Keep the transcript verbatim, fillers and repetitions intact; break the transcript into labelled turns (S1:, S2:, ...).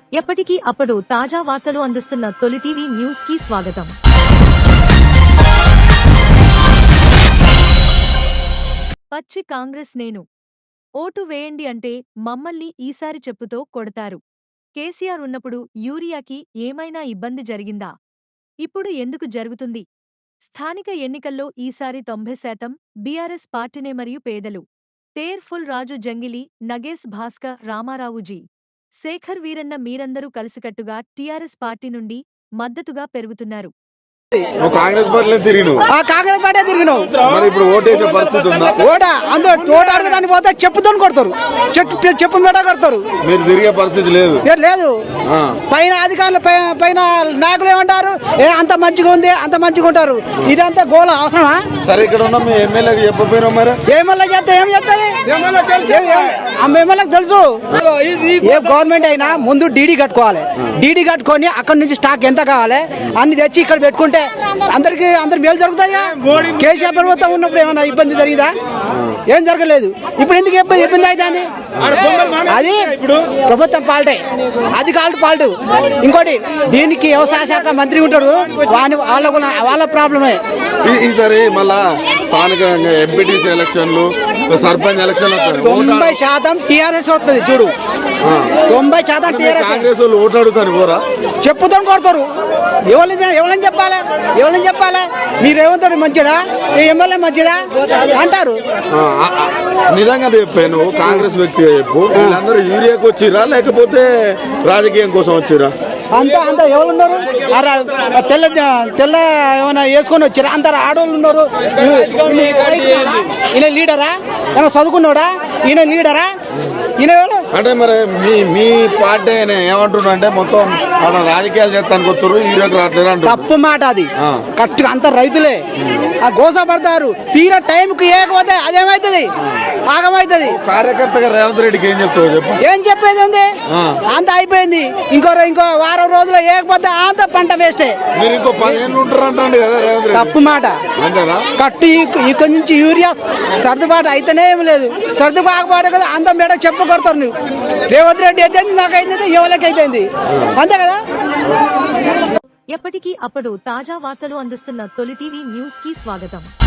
S1: ఎప్పటికీ అప్పుడు తాజా వార్తలు అందిస్తున్న తొలి టీవీ న్యూస్ కి స్వాగతం. పచ్చి కాంగ్రెస్ నేను ఓటు వేయండి అంటే మమ్మల్ని ఈసారి చెప్పుతో కొడతారు. కేసీఆర్ ఉన్నప్పుడు యూరియాకి ఏమైనా ఇబ్బంది జరిగిందా? ఇప్పుడు ఎందుకు జరుగుతుంది? స్థానిక ఎన్నికల్లో ఈసారి తొంభై శాతం బీఆర్ఎస్ పార్టీనే మరియు పేదలు. తేర్ ఫుల్ రాజు జంగిలి, నగేశ్ భాస్కర్, రామారావుజీ, శేఖర్ వీరన్న మీరందరూ కలిసికట్టుగా టీఆర్ఎస్ పార్టీ నుండి మద్దతుగా పెరుగుతున్నారు.
S2: కాంగ్రెస్ పార్టీలో తిరిగినావు
S3: కాంగ్రెస్ పార్టీ తిరిగినావు
S2: మరి ఇప్పుడు ఓటేసే పరిస్థితి ఉందా?
S3: ఓటా అందరూ ఓటు అడగదాన్ని పోతే చెప్పుతో కొడతారు, చెట్టు చెప్పు మీద కొడతారు.
S2: మీరు తిరిగే పరిస్థితి లేదు
S3: లేదు. పైన అధికారులు పైన నాయకులు ఏమంటారు, ఏ అంత మంచిగా ఉంది అంత మంచిగా ఉంటారు. ఇదంతా గోల అవసరమా?
S2: సరే ఇక్కడ ఉన్న మీ ఎమ్మెల్యేకి చెప్పపోయినా మరి
S3: ఎమ్మెల్యే చేస్తే ఏం చేస్తుంది? ఎమ్మెల్యేకి తెలుసు. ఏ గవర్నమెంట్ అయినా ముందు డీడీ కట్టుకోవాలి. డీడీ కట్టుకొని అక్కడ నుంచి స్టాక్ ఎంత కావాలి అన్ని తెచ్చి ఇక్కడ పెట్టుకుంటే అందరికి అందరు మేలు జరుగుతాయా? కేసీఆర్ ప్రభుత్వం ఉన్నప్పుడు ఏమైనా ఇబ్బంది జరిగిందా? ఏం జరగలేదు. ఇప్పుడు ఎందుకు ఇబ్బంది ఇబ్బంది అవుతుంది? అది ప్రభుత్వం పాల్టే, అది కాల్టు పాల్టు. ఇంకోటి దీనికి వ్యవసాయ శాఖ మంత్రి ఉంటాడు, వాని వాళ్ళ వాళ్ళ ప్రాబ్లమే.
S2: ఈసారి మళ్ళా స్థానిక ఎంపీటీసీ ఎలక్షన్లు, సర్పంచ్ ఎలక్షన్లు
S3: తొంభై శాతం టీఆర్ఎస్ వస్తుంది. చూడు, తొంభై శాతం టీఆర్ఎస్.
S2: కాంగ్రెస్ వాళ్ళు ఓట్లు అడుగుతారు పోరా,
S3: చెప్పుతో కొడతారు. ఎవరిని ఎవరిని చెప్పాలి ఎవరిని చెప్పాలి మీరు ఏమంటారు మంచిదా, ఎమ్మెల్యే మంచిదా అంటారు.
S2: నిజంగా చెప్పాను, కాంగ్రెస్ వ్యక్తి చెప్పు, వీళ్ళందరూ యూరియాకి వచ్చిరా లేకపోతే రాజకీయం కోసం వచ్చిరా?
S3: అంతా అంతా ఎవరు ఉన్నారు? తెల్ల తెల్ల ఏమైనా వేసుకొని వచ్చారా? అంత ఆడవాళ్ళు ఉన్నారు. ఈయన లీడరా? ఏమైనా చదువుకున్నాడా? ఈయన లీడరా? ఈయన
S2: అంటే మరి మీ మీ పార్టీ ఏమంటున్నా అంటే మొత్తం మన రాజకీయాలు చేస్తానికి వస్తారు, యూరియాకి రావట్లేదు అంటారు.
S3: తప్పు మాట అది. కరెక్ట్గా అంత రైతులే ఆ గోస పడతారు. తీరా టైంకి ఏకపోతే అదేమవుతుంది, ఆగమవుతుంది.
S2: కార్యకర్తగా రేవంత్ రెడ్డికి ఏం చెప్తావు చెప్పు?
S3: ఏం చెప్పేది ఉంది? అంత అయిపోయింది. ఇంకో ఇంకో వారం రోజులు ఏకపోతే అంత పంట వేస్టే.
S2: మీరు ఇంకో పదిహేను ఉంటారు అంటే కదా రేవంత్ రెడ్డి?
S3: తప్పు మాట. కట్టు ఇక్కడ నుంచి యూరియా సర్దుబాటు అయితేనే ఏం లేదు. సర్దుబాటు కదా అంత మేడ చెప్పు కొడతారు. నువ్వు రేవంత్ రెడ్డి అయితే నాకైంది, ఎవరికి అయిపోయింది, అంతే కదా.
S1: ఎప్పటికీ అప్పుడు తాజా వార్తలు అందిస్తున్న తొలి టీవీ న్యూస్ కి స్వాగతం.